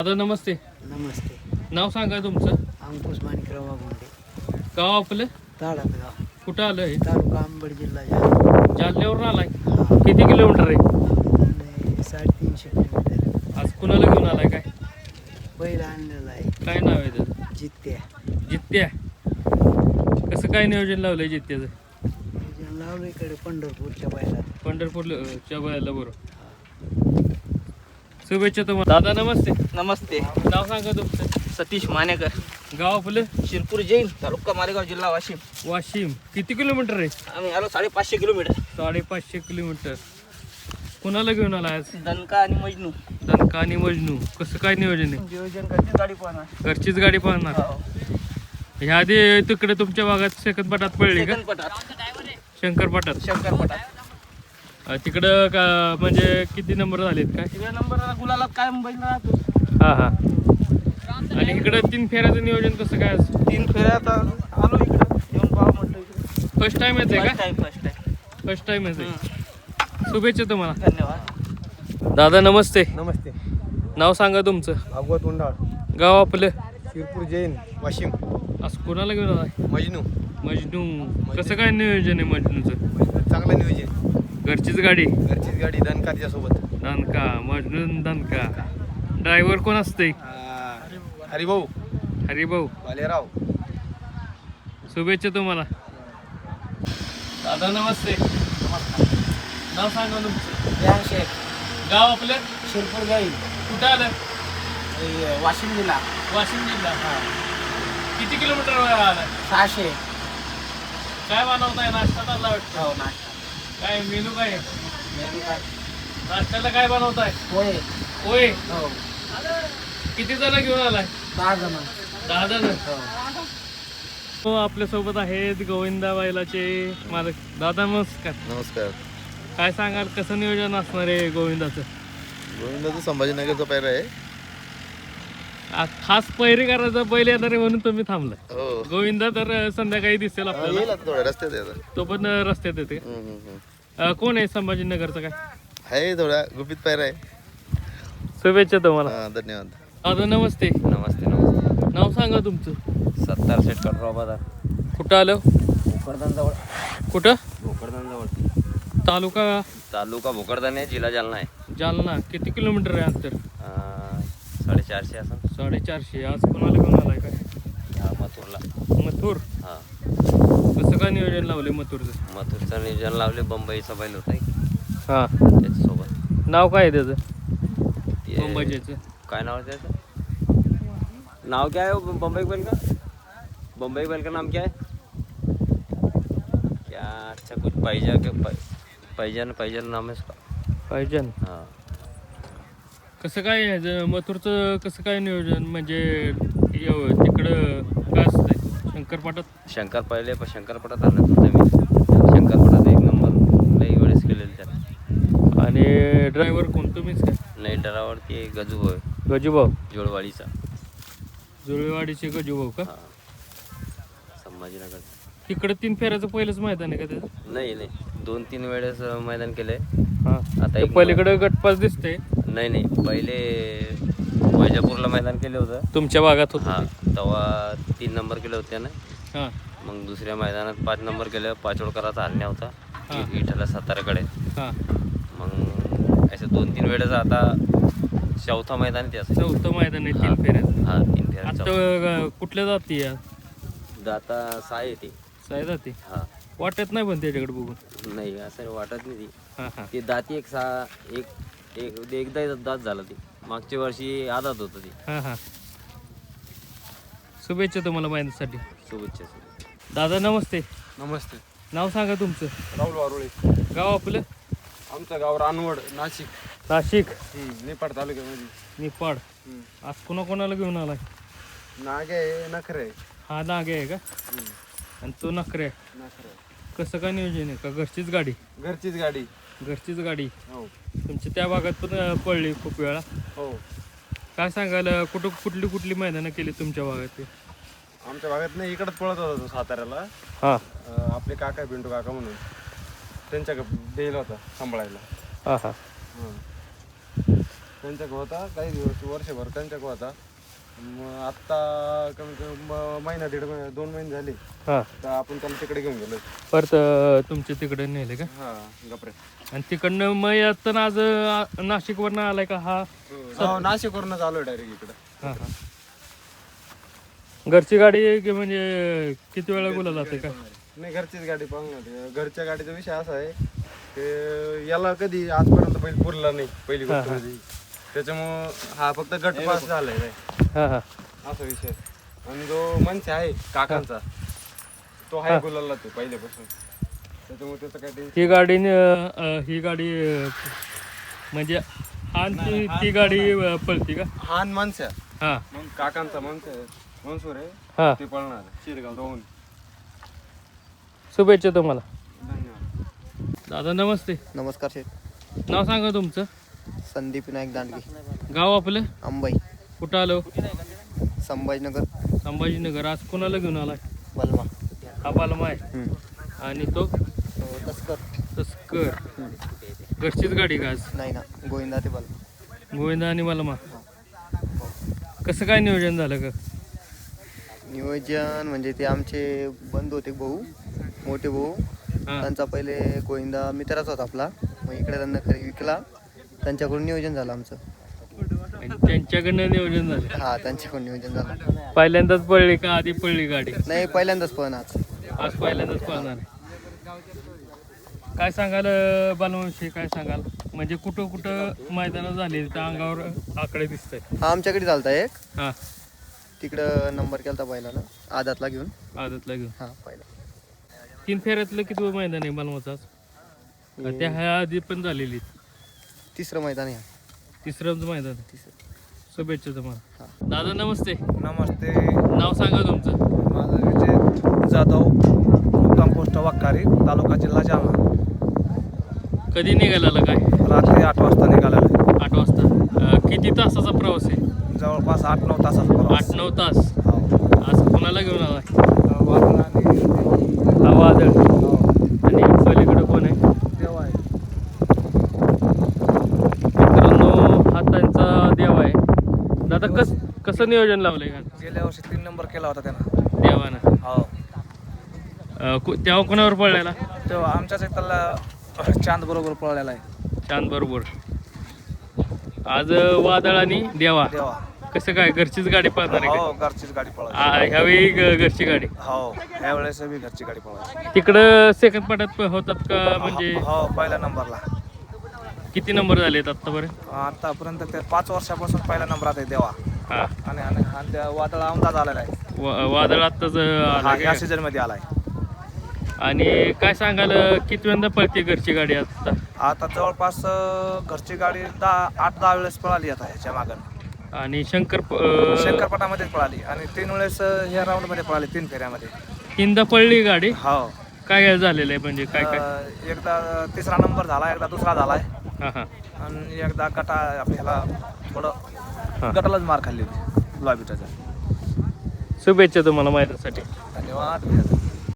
दादा नमस्ते. नमस्ते. नाव सांगा तुमचं. अंकुश माणिकराव वाघुंडे. गाव आपलं ताडगाव, कुठं आलं हे? तालुका अंबड, जिल्हा जालना. जालन्यावरून आलाय. हा. किती किलोमीटर आहे? आणि 350 किलोमीटर. आज कुणाला घेऊन आलाय काय? बैल आणलेला आहे, काय नाव आहे त्याचं? जित्त्या. जित्त्या. कसं काय नियोजन लावलंय जित्त्याचं? लावलं इकडे पंढरपूरच्या बैलात. पंढरपूरच्या बायाला बरोबर. शुभेच्छा तुम्हाला. दादा नमस्ते. नमस्ते. नाव सांगा तुमचं. सतीश मानेकर, गाव आपलं शिरपूर जैन, तालुका मालेगाव, जिल्हा वाशिम. वाशिम. किती किलोमीटर आहे? आम्ही आलो 550 किलोमीटर. 550 किलोमीटर. कुणाला घेऊन आला आज? दणका आणि मजनू. दणका आणि मजनू. कसं काय नियोजन आहे? नियोजन करते गाडी पाहणार. घरचीच गाडी पाहणार. ह्या आधी तिकडे तुमच्या भागात सेकंदपटात पडली का? शंकरपटात. तिकडं का म्हणजे किती नंबर झालेत काय? तिकडे नंबर गुलाला काय मुंबईला राहतो. हा हा. आणि इकडं 3 फेऱ्याचं नियोजन कसं काय? 3 फेऱ्या आता आलो इकडे येऊन पाहा म्हटलं इकडे. फर्स्ट टाइम येते का? First time. फर्स्ट टाइम येते. शुभेच्छा तुम्हाला. धन्यवाद. दादा नमस्ते. नमस्ते. नाव सांगा तुमचं. भागवत उंडाळ, गाव आपलं शिरपूर जैन, वाशिम. आज कोणाला घेऊन आलाय? मजनू. मजनू. कसं काय नियोजन आहे मजनूचं? चांगलं नियोजन. घरचीच गाडी. घरचीच गाडी, दणका तिच्यासोबत. दणका. मजनू दणका. ड्रायव्हर कोण असते? हरिभाऊ, हरिभाऊ. बालेराव. शुभेच्छा तुम्हाला. दादा नमस्ते. नाव सांगा तुमचं. शेख, गाव आपलं शिरपूर जैन, कुठं आलं? वाशिम जिल्हा. वाशिम जिल्हा. किती किलोमीटर आलं? 600. काय बनवताय? नाश्ता चालला वाटतं. हो नाश्ता. काय मेनू काय आहे? मेनू काय? नाश्त्याला काय बनवताय? पोहे. होय. हो. किती जण घेऊन आलाय? 10 जण. 10 जण. हो. हो, आपल्यासोबत आहेत गोविंदा बैलाचे मालक. दादा नमस्कार. नमस्कार. काय सांगाल, कसं नियोजन असणार आहे गोविंदाचं? गोविंदाचं संभाजीनगरचा पैरा आहे. खास पैरी करायचा बैल येणार आहे म्हणून तुम्ही थांबलाय. हो, गोविंदा तर संध्याकाळी दिसेल आपल्याला. येईल आता थोड्या रस्त्यात आहे आता. तो पण रस्त्यात येते. कोण आहे संभाजीनगरचं काय? आहे थोडा गुपित पैरा आहे. शुभेच्छा तुम्हाला. हा, धन्यवाद. दादा नमस्ते. नमस्ते. नमस्ते. नाव सांगा तुमचं. 70 सेट कटराव बाजार, कुठं आलं? भोकरदान जवळ. कुठं? भोकरदान जवळ. तालुका भोकरदान आहे, जिल्हा जालना आहे. जालना. किती किलोमीटर आहे अंतर? 450 असं. 450. आज कोणाला घेऊन आलाय काय? ह्या मथुरला. मथुर. हा, कसं काय नियोजन लावले मथुरचं? मथुरचं नियोजन लावले. बंबईचा बैल होता हा. त्याच्यासोबत. नाव काय आहे त्याचं? ते मुंबईचं. काय नाव आहे त्याचं? नाव क्या है वो बम्बई बैल का? बम्बई बैल का नाम क्या है? क्या अच्छा कुछ पैजन नाम है उसका. पाहिजन. हाँ. कसं काय ह्याचं मथुरचं कसं काय नियोजन म्हणजे तिकडं काय असतंय शंकरपाटात? शंकरपटात आणत होता मी. शंकरपटात 1 नंबर लई वेळेस केलेलं त्याला. आणि ड्रायव्हर कोण, तुम्हीच काय? नाही, डरावरती गजू आहे, गजूभाऊ. जोडवाडीचा. जुळेवाडीचे गजूभाऊ का? हा, संभाजीनगर. तिकडं 3 फेऱ्याचं पहिलंच मैदान आहे का त्याचं? नाही, 2-3 वेळेस मैदान केलंय. हा. आता ते पलीकडं गटपास दिसते. नाही, पहिले वैजापूरला मैदान केलं होतं. तुमच्या भागात होत. हा, तेव्हा 3 नंबर केले होते ना. हा. मग दुसऱ्या मैदानात 5 नंबर केलं. पाचोडकराचा हरण्या होता. हा. विठ्ठला साताऱ्याकडे. हा. मग असे 2-3 वेळेस. आता 4थं मैदान ते असं. 4थं मैदान आहे 3 हा. फेऱ्याचं. हा, 3 फेऱ्या. आता कुठल्या जाती या? दाता 6 येते. साय जाती. हा. वाटत नाही पण त्याच्याकडे बघून. नाही, असं वाटत नाही ती. हा हा. ती दाती एकदा दात झाला ती. मागच्या वर्षी आदात होतं ती. हा हा. शुभेच्छा तुम्हाला माहितीसाठी. शुभेच्छा. दादा नमस्ते. नमस्ते. नाव सांगा तुमचं. राहुल वारुळे. गाव आपलं आमचं गाव रानवड, नाशिक. नाशिक. निपाड तालुक्यामध्ये. निपाड. आज कोणाला घेऊन आलाय? नागे, नखरे. हा नागे आहे का? आणि तो नखरे. नखरे. कसं काय नियोजन आहे का घरचीच गाडी? घरचीच गाडी. घरचीच गाडी. हो. तुमच्या त्या भागात पण पडली खूप वेळा. हो. काय सांगाल, कुठली मैदानं केली तुमच्या भागात ते? आमच्या भागात नाही, इकडंच पळत होता तो साताऱ्याला. हां. आपले काका पिंटू काका म्हणून त्यांच्याकडे देईल होता सांभाळायला. हां हां. त्यांच्याकडे होता काही दिवस वर्षभर त्यांच्याकडे होता. मग आत्ता कमी कमी महिना 2 महिने झाले हां तर आपण त्याला तिकडे घेऊन गेलो. परत तुमच्या तिकडे नेले का? हा गपरे. आणि तिकडनं मग येताना आज नाशिकवरनं आलाय का हा? नाशिकवरूनच आलोय डायरेक्ट इकडं. हां हां. घरची गाडी आहे की म्हणजे किती वेळा बोला जाते का? नाही घरचीच गाडी पाहून. घरच्या गाडीचा विषय असा आहे की याला कधी आजपर्यंत बैल पुरला नाही पहिली गोष्ट म्हणजे. त्याच्यामुळं हा फक्त गट पास झालाय हां हां. असा विषय. आणि जो मनसे आहे काकांचा तो आहे गुलाला तो पहिल्यापासून. त्याच्यामुळे त्याचं काय टेन्शन. ही गाडी म्हणजे आणि ती गाडी पळती का? हान मनस्या हां मग काकांचा मनसूर आहे हां. ते पळणार शिरगाव दोन. शुभेच्छा तुम्हाला. धन्यवाद. दादा नमस्ते. नमस्कार शेठ. नाव सांगा तुमचं. संदीप विनायक दांडगे, गाव आपलं अंबाई, कुठं आलो? संभाजीनगर, संभाजीनगर. आज कोणाला घेऊन आलाय? बलमा, हा बालमा आहे आणि तो तस्कर. तस्कर. घरचीच गाडी का आज? नाही ना, गोविंदा ते बलमा. गोविंदा आणि बालमा. कसं काय नियोजन झालं का? नियोजन म्हणजे ते आमचे बंधू होते भाऊ, मोठे भाऊ. हां त्यांचा पहिले गोविंदा मित्राच होता आपला. मग इकडे त्यांना विकला. त्यांच्याकडून नियोजन झालं आमचं. आणि त्यांच्याकडनं नियोजन झालं. हा, त्यांच्याकडून नियोजन झालं. पहिल्यांदाच पडली का आधी पडली गाडी? नाही, पहिल्यांदाच पण आज. आज पहिल्यांदाच पळणार आहे. काय सांगाल बालवंशी, काय सांगाल? म्हणजे कुठं कुठं मैदानं झाली त्या अंगावर आकडे दिसत आहेत. हा, आमच्याकडे चालता एक. हां तिकडं नंबर केला बैलानं आदातला घेऊन. आदतला घेऊन. हा, पहिला 3 फेऱ्यातलं किती मैदान आहे बालमाचं आज? का त्या ह्या आधी पण झालेली? तिसरं मैदान आहे. तिसरंच मैदान. शुभेच्छा तुम्हाला. दादा नमस्ते. नमस्ते. नाव सांगा तुमचं. माझं विजय जाधव, मुक्काम पोस्ट वाकारी, तालुका जिल्हा जालना. कधी निघाला काय? रात्री 8 वाजता निघालेलं आहे. 8 वाजता. किती तासाचा प्रवास आहे? जवळपास 8-9 तासाचा प्रवास. 8-9 तास. हो. आज कोणाला घेऊन आला? वादळ आणि हा वादळ. हो. आणि पलीकडे कोण आहे? देव आहे. मित्रांनो हा त्यांचा देव आहे. दादा कसं नियोजन लावलंय का गेल्या वर्षी 3 नंबर केला होता त्यानं. देवानं? हो. तेव्हा कोणावर पडलेला? तेव्हा आमच्याच एक त्याला चांद बरोबर पळलेला आहे. चांद बरोबर. आज वादळ आणि देवा. देवा. कसं काय घरचीच गाडी पळणार आहे हो, घरचीच गाडी पळायची. का? ह्यावेळी घरची गाडी. हो, यावेळेस मी घरची गाडी पळायची. तिकडं सेकंड पाठात होतात का? म्हणजे हो, पहिल्या नंबरला. किती नंबर झालेत आतापर्यंत? आतापर्यंत ते 5 वर्षापासून पहिल्या नंबरात आहे देवा. हा. आणि त्या वादळ आमदार झालेला आहे. वादळ आत्ताच हा, या आलं. सीझन मध्ये आलाय. आणि काय सांगाल कितव्यांदा पळते घरची गाडी आता? आता जवळपास घरची गाडी 8-10 वेळेस पळाली आता ह्याच्या मागं. आणि शंकर शंकरपटामध्येच पळाली आणि 3 वेळेस ह्या राऊंड मध्ये पळाली, 3 फेऱ्यामध्ये. 3दा पडली गाडी. हो. काय झालेलं आहे म्हणजे काय काय? एकदा 3रा नंबर झाला, एकदा 2रा झालाय हां हां. आणि एकदा गटा आपल्याला हा. थोडं गटालाच मार खाल्ली होती लॉबीटाचा. शुभेच्छा तुम्हाला माहितीसाठी. धन्यवाद.